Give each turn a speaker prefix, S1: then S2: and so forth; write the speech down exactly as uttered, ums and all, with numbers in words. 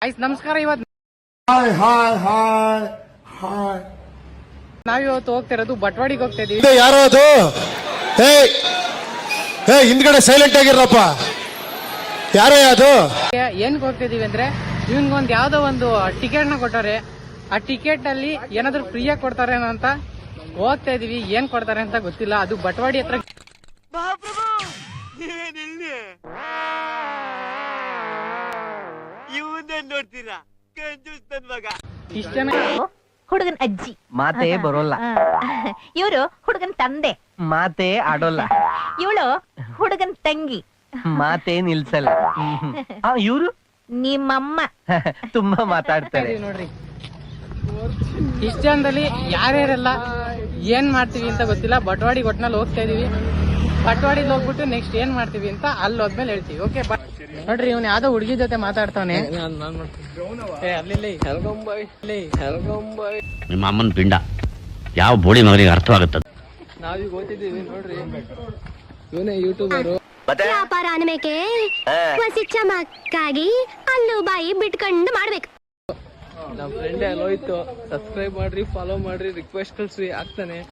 S1: ಆಯ್ತು ನಮಸ್ಕಾರ. ಇವತ್ತು
S2: ಹಾಯ್ ಹಾಯ್ ಹಾಯ್ ಹಾಯ್
S1: ನಾವಿವತ್ತು ಹೋಗ್ತಿರೋದು ಬಟ್ವಾಡಿಗೆ ಹೋಗ್ತಾ ಇದೀವಿ.
S2: ಯಾರೋ ಅದು ಹೇ ಹೇ ಹಿಂದ್ಗಡೆ ಸೈಲೆಂಟ್ ಆಗಿರಪ್ಪ. ಯಾರೋ ಅದು
S1: ಏನ್ಗೆ ಹೋಗ್ತಾ ಇದೀವಿ ಅಂದ್ರೆ ಇವನ್ಗೊಂದ್ ಯಾವ್ದೋ ಒಂದು ಟಿಕೆಟ್ ನ ಕೊಟ್ಟಾರೆ. ಆ ಟಿಕೆಟ್ ಅಲ್ಲಿ ಏನಾದ್ರು ಫ್ರೀಯಾಗಿ ಕೊಡ್ತಾರೆ ಅಂತ ಹೋಗ್ತಾ ಇದೀವಿ. ಏನ್ ಕೊಡ್ತಾರೆ ಅಂತ ಗೊತ್ತಿಲ್ಲ. ಅದು ಬಟ್ವಾಡಿ ಹತ್ರ ಇಷ್ಟ ಜನ
S3: ಹುಡುಗನ್ ಅಜ್ಜಿ
S4: ಮಾತೇ ಬರೋಲ್ಲ,
S3: ಇವರು ಹುಡುಗನ್ ತಂದೆ,
S4: ಮಾತೇ ಆಡೋಲ್ಲ,
S3: ಇವಳು ಹುಡುಗನ್ ತಂಗಿ,
S4: ಮಾತೇ ನಿಲ್ಸಲ್ಲ. ಇವರು
S3: ನಿಮ್ಮಮ್ಮ.
S4: ತುಂಬಾ ಮಾತಾಡ್ತಾರೆ
S1: ನೋಡ್ರಿ. ಇಷ್ಟ ಜನದಲ್ಲಿ ಯಾರ್ಯಾರೆಲ್ಲ ಏನ್ ಮಾಡ್ತೀವಿ ಅಂತ ಗೊತ್ತಿಲ್ಲ. ಬಟ್ವಾಡಿಗೆ ಒಟ್ನಲ್ಲಿ ಹೋಗ್ತಾ ಇದೀವಿ. ಬಟ್ವಾಡಿಗೆ ಹೋಗ್ಬಿಟ್ಟು ನೆಕ್ಸ್ಟ್ ಏನ್ ಮಾಡ್ತೀವಿ ಅಂತ ಅಲ್ಲಿ ಹೋದ್ಮೇಲೆ ಹೇಳ್ತೀವಿ. ಓಕೆ ನೋಡ್ರಿ, ಇವ್ನು ಯಾವ್ದೋ ಹುಡುಗಿ ಜೊತೆ ಮಾತಾಡ್ತಾವನೆ.
S5: ನಿಮ್ಮ ಅಮ್ಮನ ಪಿಂಡ ಯಾವ ಬೋಳಿ ಮಗನಿಗೆ ಅರ್ಥವಾಗುತ್ತದೆ.
S1: ನಾವೀಗ ಓದ್ತಿದ್ದೀವಿ ನೋಡ್ರಿ. ಇವನೇ ಯೂಟ್ಯೂಬರು.
S6: ವ್ಯಾಪಾರ ಅನ್ಬೇಕೆ ಹೊಸಿ ಚಮಕ್ಕಾಗಿ ಅಲ್ಲು ಬಾಯಿ ಬಿಟ್ಕೊಂಡು ಮಾಡ್ಬೇಕು.
S1: ನಮ್ಮ ಫ್ರೆಂಡ್ ಅಲ್ಲಿ ಹೋಯ್ತು. ಸಬ್ಸ್ಕ್ರೈಬ್ ಮಾಡ್ರಿ, ಫಾಲೋ ಮಾಡ್ರಿ, ರಿಕ್ವೆಸ್ಟ್ ಕಳ್ಸ್ರಿ, ಆಗ್ತಾನೆ.